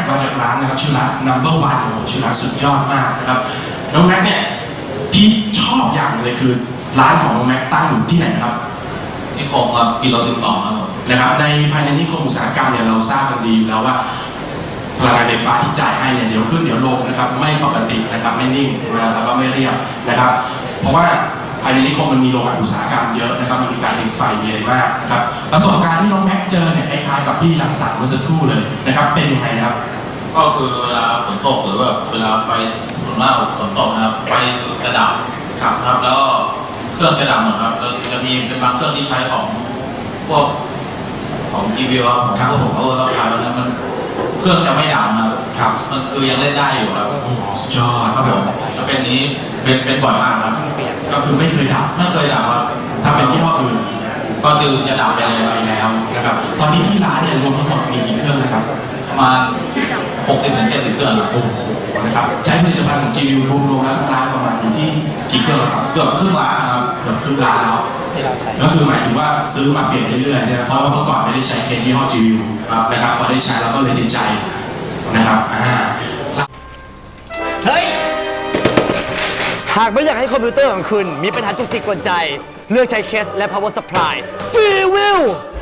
มาจากร้านนะครับชื่อร้าน Number One โอ้โหชื่อร้านสุดยอดมากนะครับน้องแม็กเนี่ยที่ชอบอย่างเลยคือร้านของน้องแม็กตั้งอยู่ที่ไหนครับนิคมครับกิโล12ครับผมนะครับในภายในนิคมอุตสาหกรรมเนี่ยเราทราบกันดีอยู่แล้วว่าพลังงานไฟฟ้าที่จ่ายให้เนี่ยเดี๋ยวขึ้นเดี๋ยวลงนะครับไม่ปกตินะครับไม่นิ่งนะแล้วก็ไม่เรียบนะครับเพราะว่าภายในนิคมมันมีโรงงานอุตสาหกรรมเยอะนะครับมันมีการผลิตไฟมีอะไรมากนะครับประสบการณ์ที่น้องแม็กเจอเนี่ยคล้ายๆกับพี่รังสรรค์เมื่อสักครู่เลยนะครับเป็นยังไงครับก็คือเวลาฝนตกหรือว่าเวลาไฟส่วนมากฝนตกนะครับไฟกระดับครับแล้วเครื่องกระดับหมดครับแล้วจะมีเป็นบางเครื่องที่ใช้ของพวกของทีวีครับของพวกเราขายแล้วมันเครื่องจะไม่ดับนะครับมันคือยังเล่นได้อยู่ครับสุดยอดครับผมแล้วเป็นนี้เป็นบ่อยมากครับก็คือไม่เคยดับครับถ้าเป็นยี่ห้ออื่นก็คือจะดับไปแล้วนะครับตอนนี้ที่ร้านเนี่ยรวมทั้งหมดมีกี่เครื่องนะครับประมาณ60-70เครื่องครับโอ้โหนะครับใช้ผลิตภัณฑ์ของ GU รวมๆแล้วทั้งร้านประมาณอยู่ที่กี่เครื่องครับเกือบครึ่งล้านครับเกือบครึ่งล้านแล้วก็คือหมายถึงว่าซื้อมาเปลี่ยนเรื่อยๆเนี่ยเพราะว่าเมื่อก่อนไม่ได้ใช้เคสยี่ห้อ GU นะครับพอได้ใช้แล้วก็เลยติดใจนะครับเฮ้ยหากไม่อยากให้คอมพิวเตอร์ของคุณมีปัญหาจุกจิกกวนใจเลือกใช้เคสและ power supply G-Will